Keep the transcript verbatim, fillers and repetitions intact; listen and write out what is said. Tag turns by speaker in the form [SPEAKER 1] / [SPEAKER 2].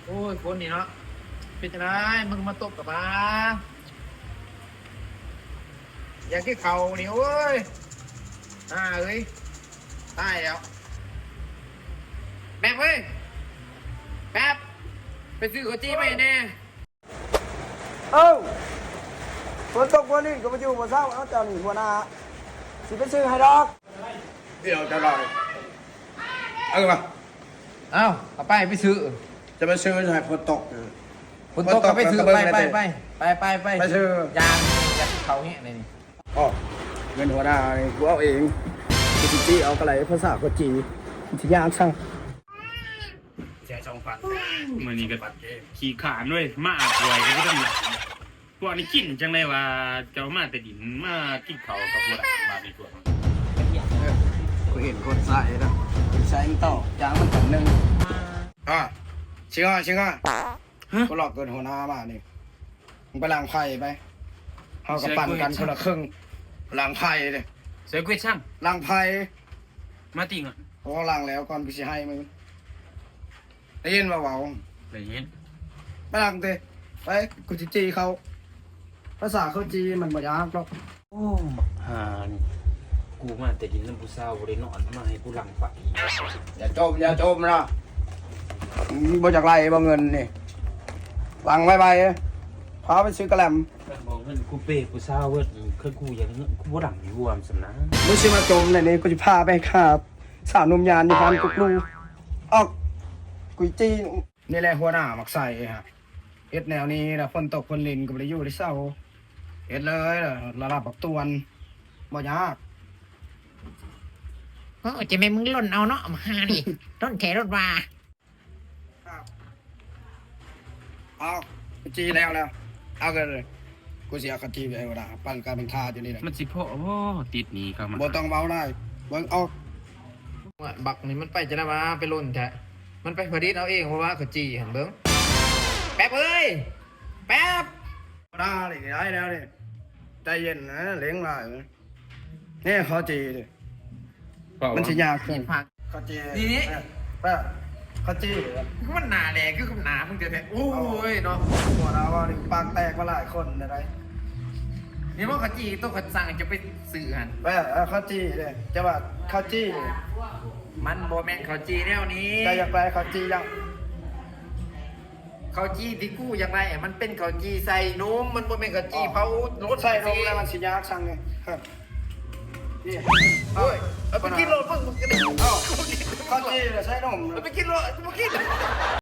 [SPEAKER 1] อ้ยคนนี่เนาะเป็นจังไงมึงมาตบกับมาอยากกินเขานี่โอ้ยอ่าเอ้ยตายแล้วแป๊บเว้ยแป๊บไปซื้อข้าวจี้ไปแน่
[SPEAKER 2] เอ้าฝนตกวันนี้ก็มาอยู่บนเสาเอาเจ้าหนีหัวหน้าสิไปซื้อให้ดอก
[SPEAKER 3] เดี๋ยวจะลอยเอามา
[SPEAKER 1] เอ้าเอาไปไปซื้อ
[SPEAKER 3] จะไปซื้อให้ฝนตก
[SPEAKER 1] ฝนตกก็ไปซื้อไปไปไปไปไปไป
[SPEAKER 3] ไปซื้อย
[SPEAKER 1] างจากเขาเงี้ยนี่
[SPEAKER 3] อ๋อเงินหัวหน้านี่กูเอาเองกูจิจี้เอากระไรภาษาก็จีที่ยากช่างแจกช่องฟัน
[SPEAKER 4] มันนี่ก็ขี่ขานด้วยมาอาบป่วยก็ไม่ต้องหลับพวกนี้กินจังเลยว่าเจ้ามาแต่ดินมากินเขากับพวกมาดีกว่า
[SPEAKER 3] กูเห็นคนใส่แล้วใส่ต่อยางมันถังหนึ่งอ่ะชิงอ่ะชิงอ่ะกูหลอกเกินหัวหน้ามานี่มึงไปล้างไพ่ไปเขากับปั่นกันคนละครึ่งล้างไพ่เลย
[SPEAKER 4] เสือกุ้ยช่าง
[SPEAKER 3] ล้างไพ่
[SPEAKER 4] มาติ่งอ่ะ
[SPEAKER 3] เขาล้างแล้วก่อนกูจะให้มึงได้ยินมาเบา
[SPEAKER 4] ได้ยิน
[SPEAKER 3] ไปล้างเตะไปกูจะจีเขาภาษาเขาจีมันบ่ยากหรอก
[SPEAKER 4] โอ้ฮานกูมาแต่ดินน้ำผู้สาวบริโนอนมาให้กูหลังไฟ
[SPEAKER 3] อย่าจมอย่าจมนะบ่จากไรบ่เงินนี่ล้างไว้ไปพาไปซื้อกระแลม
[SPEAKER 4] บอกเงินกูเป้กูสาวเวิร์ดคือกูอย่างเงี้ยกูบ่ดังอยู่วมสำนัก
[SPEAKER 3] มึงซื้อมาจมในนี้กูจะพาไปครับสาวนุ่มยานอยู่พันกุกลูออกกุยจีนี่แหละหัวหน้ามักใส่ฮะเอ็ดแนวนี้นะฝนตกฝนลินก็ไม่ได้อยู่ที่เศร้าเอ็ดเลยระดับปักตวนบ่ยาก
[SPEAKER 1] โอ้จะไม่มึงล่นเอาเนาะมาหาดิต้นแขรถว่า
[SPEAKER 3] เอาจีแล้วแล้วเอากันเลยกูเสียกะจีไปหัวหน้าปั่นการเป็นทาอยู่นี่แหละ
[SPEAKER 4] มันสิพ่อโอ้ติดหนีเข้ามา
[SPEAKER 3] บ่ต้องเบาได้เบิ่งเอา
[SPEAKER 1] บักนี่มันไปจะได้มาไปล่นแท้มันไปผลิตเอาเองเพราะว่าเขาจีเห็นเบิ้งแป๊บเอ้ยแป๊บ
[SPEAKER 3] ได้เลยได้แล้วนี่ใจเย็นนะเลี้ยงได้นี่เขาจีดิมันสิยากขึ้นเขาจี
[SPEAKER 1] นี่นี่
[SPEAKER 3] แป๊บเขาจี
[SPEAKER 1] คือมันหนาแหลกคือกับหนามึงเจอแท้โอ้ยเนาะ
[SPEAKER 3] หัวเราว่าปากแตกมาหลายคนอะไร
[SPEAKER 1] นี่ว่าเขาจีต้องเขาสั่งจะไปสื่อหัน
[SPEAKER 3] แป๊บเขาจีเลยจะว่าเขาจี
[SPEAKER 1] มันโบแมนเขาจีแนวนี้
[SPEAKER 3] จะอยากไปเขาจียัง
[SPEAKER 1] เขาจีที่กู้อยากไรมันเป็นเขาจีใส่นมมันโบแมนเขาจีเผารถ
[SPEAKER 3] ใส่นมแล้วมันสิยากสั่งไงนี่
[SPEAKER 1] เฮ้ยเอาไปกินรถเพิ่งมึงกันดิ
[SPEAKER 3] เอ้าเขาจีใส่นม
[SPEAKER 1] เอาไปกินรถไปกิน